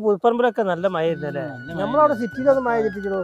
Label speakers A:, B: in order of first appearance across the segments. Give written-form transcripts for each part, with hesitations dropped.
A: പുൽപ്പറമ്പിലൊക്കെ നല്ല മഴ ഇരുന്നല്ലേ? നമ്മളവിടെ സിറ്റിയിലൊന്നും മഴ കിട്ടിക്കണോ?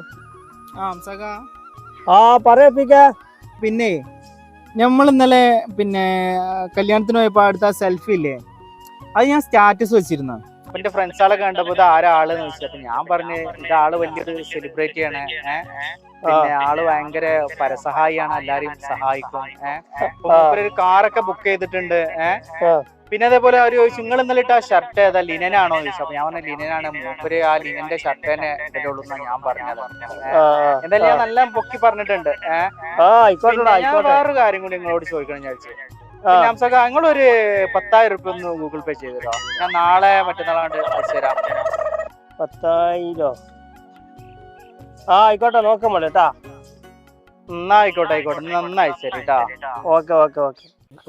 A: പറയാ.
B: പിന്നെ നമ്മൾ ഇന്നലെ പിന്നെ കല്യാണത്തിന് പോയപ്പോ അടുത്ത സെൽഫി ഇല്ലേ, അത് ഞാൻ സ്റ്റാറ്റസ് വെച്ചിരുന്നു. അപ്പൊ എന്റെ ഫ്രണ്ട്സുകളൊക്കെ കണ്ടപ്പോ ഇത് ആരാളെന്ന് ചോദിച്ചു. അപ്പൊ ഞാൻ പറഞ്ഞു ഇതാള് വലിയൊരു സെലിബ്രിറ്റി ആണ്, പിന്നെ ആള് ഭയങ്കര പരസഹായിയാണ്, എല്ലാരെയും സഹായിക്കും. ഒരു കാറൊക്കെ ബുക്ക് ചെയ്തിട്ടുണ്ട്. പിന്നെ അതേപോലെ അവര് ചോദിച്ചു നിങ്ങൾ ഇന്നലെ ഇട്ട ഷർട്ട് ഏതാ, ലിനനാണോ ചോദിച്ചു. അപ്പൊ ഞാൻ പറഞ്ഞു ലിനനാണ്. മൂപ്പര് ആ ലിനന്റെ ഷർട്ട് തന്നെ ഇടലുള്ളൂ എന്നാ ഞാൻ പറഞ്ഞത്. എന്തായാലും ഞാൻ നല്ല പൊക്കി പറഞ്ഞിട്ടുണ്ട്. ഞാൻ വേറൊരു കാര്യം കൂടി നിങ്ങളോട് ചോദിക്കണം ഞാൻ വിചാരിച്ചു. നിങ്ങളൊരു 10,000 റുപ്യ ഒന്ന് ഗൂഗിൾ പേ ചെയ്തോ, ഞാൻ നാളെ മറ്റന്നാളാണ്ട് അയച്ചു തരാം.
A: 10,000? ആയിക്കോട്ടെ, നോക്കാൻ പോലെ കേട്ടാ.
B: എന്നാ ആയിക്കോട്ടെ നന്നായി ശരി കേട്ടാ.
A: ഓക്കെ.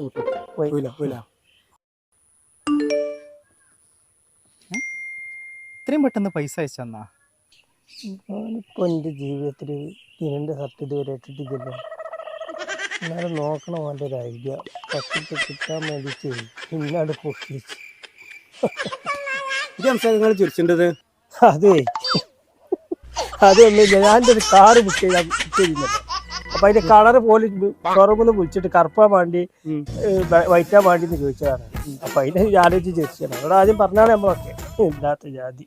B: ഇത്രയും പെട്ടെന്ന് പൈസ അയച്ചെന്നാ?
A: ഞാനിപ്പോ എന്റെ ജീവിതത്തിൽ ഇതിന്റെ ഷർട്ട് ഇതുവരെ ഇട്ടിട്ടില്ലല്ലോ. എന്നാലും നോക്കണം അവൻ്റെ ഒരു ഐഡിയ. പത്തിട്ട് കിട്ടാൻ വേണ്ടിയിട്ട് ഇന്നാട് പൊക്കിച്ചു.
C: നിങ്ങൾ ചിരിച്ചിട്ടത്
A: അതൊന്നുമില്ല. ഞാൻ്റെ ഒരു കാറ് ബുക്ക് ചെയ്തിരുന്നല്ലോ. അപ്പൊ അതിന്റെ കളർ പോലും ഷോറൂമിൽ വിളിച്ചിട്ട് കറുപ്പാൻ വേണ്ടി വൈറ്റാൻ വേണ്ടി എന്ന് ചോദിച്ചതാണ്. അപ്പൊ അതിനെ ആലോചിച്ച് ചിരിച്ചാണ്. അവിടെ ആദ്യം പറഞ്ഞാണ് നമ്മളൊക്കെ ഇല്ലാത്ത ജാതി.